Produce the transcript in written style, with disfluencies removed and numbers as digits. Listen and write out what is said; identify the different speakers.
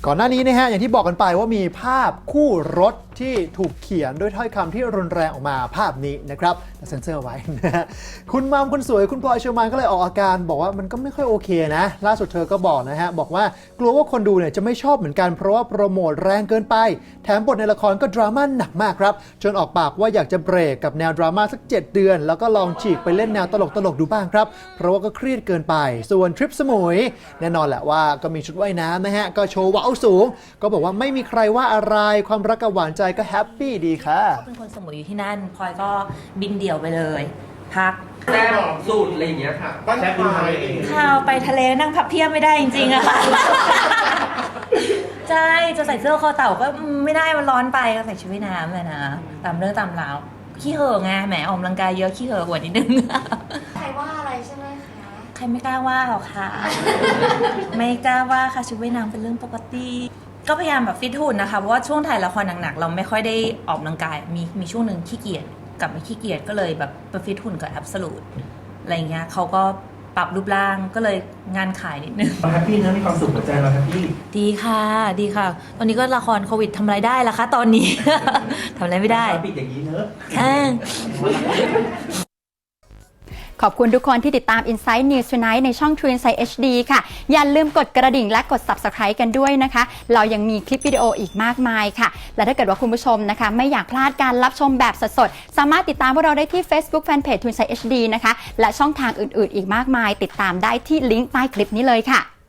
Speaker 1: ก่อนหน้านี้นะฮะอย่างที่บอกกันไปว่ามีภาพคู่รถที่ถูกเขียนด้วยถ้อยคำที่รุนแรงออกมาภาพนี้นะครับแต่เซ็นเซอร์ไว้นะฮะคุณมัมคนสวยคุณพลอยเชอร์มานก็เลยออกอาการบอกว่ามันก็ไม่ค่อยโอเคนะล่าสุดเธอก็บอกนะฮะบอกว่ากลัวว่าคนดูเนี่ยจะไม่ชอบเหมือนกันเพราะว่าโปรโมทแรงเกินไปแถมบทในละครก็ดราม่าหนักมากครับจนออกปากว่าอยากจะเบรกกับแนวดราม่าสัก7 เดือนแล้วก็ลองฉีกไปเล่นแนวตลกดูบ้างครับเพราะว่าก็เครียดเกินไปส่วนทริปสมุยแน่นอนแหละว่าก็มีชุดว่ายน้ำนะฮะก็โชว์ว้าวสูงก็บอกว่าไม่มีใครว่าอะไรความรักกับหวานใจก็แฮปปี้ดีค่ะ
Speaker 2: เขาเป็นคนสมุยอยู่ที่นั่นพลอยก็บินเดี่ยวไปเลยพัก
Speaker 3: แซ่บสูตรอะไรอย่างเงี้ยค่ะบ้านแซ่บดูไทย
Speaker 2: ข้าวไปทะเลนั่งพับเพียบไม่ได้จริงๆอะค่ะใช่จะใส่เสื้อคอเต่าก็ไม่ได้มันร้อนไปก็ใส่ชุดว่ายน้ำเลยนะตามเรื่องตามราวขี้เห่อไงแหมออกกำลังกายเยอะขี้เห่อกว่านิดนึง
Speaker 4: ใครว่าอะไรใช่ไหมคะ
Speaker 2: ใครไม่กล้าว่าหรอกค่ะไม่กล้าว่าค่ะชุดว่ายน้ำเป็นเรื่องปกติก็พยายามแบบฟิตหุ่นนะคะเพราะว่าช่วงถ่ายละครหนักๆเราไม่ค่อยได้ออกกำลังกายมีช่วงหนึ่งขี้เกียจกลับมาขี้เกียจก็เลยแบบไปฟิตหุ่นกับแอบสูตอะไรเงี้ยเขาก็ปรับรูปร่างก็เลยงานขายนิดนึง
Speaker 3: แฮปปี้นะมีความสุขหัวใจเราแฮปปี้
Speaker 2: ดีค่ะดีค่ะตอนนี้ก็ละครโควิดทำอะไรได้ล่ะคะตอนนี้ ทำอะไรไม่ได้
Speaker 3: ปิดอย่างนี้เนอะ
Speaker 2: ค่ะ
Speaker 5: ขอบคุณทุกคนที่ติดตาม Inside News Tonight ในช่อง True Insight HD ค่ะอย่าลืมกดกระดิ่งและกด Subscribe กันด้วยนะคะเรายังมีคลิปวิดีโออีกมากมายค่ะและถ้าเกิดว่าคุณผู้ชมนะคะไม่อยากพลาดการรับชมแบบสดๆสามารถติดตามพวกเราได้ที่ Facebook Fanpage True Insight HD นะคะและช่องทางอื่นๆอีกมากมายติดตามได้ที่ลิงก์ใต้คลิปนี้เลยค่ะ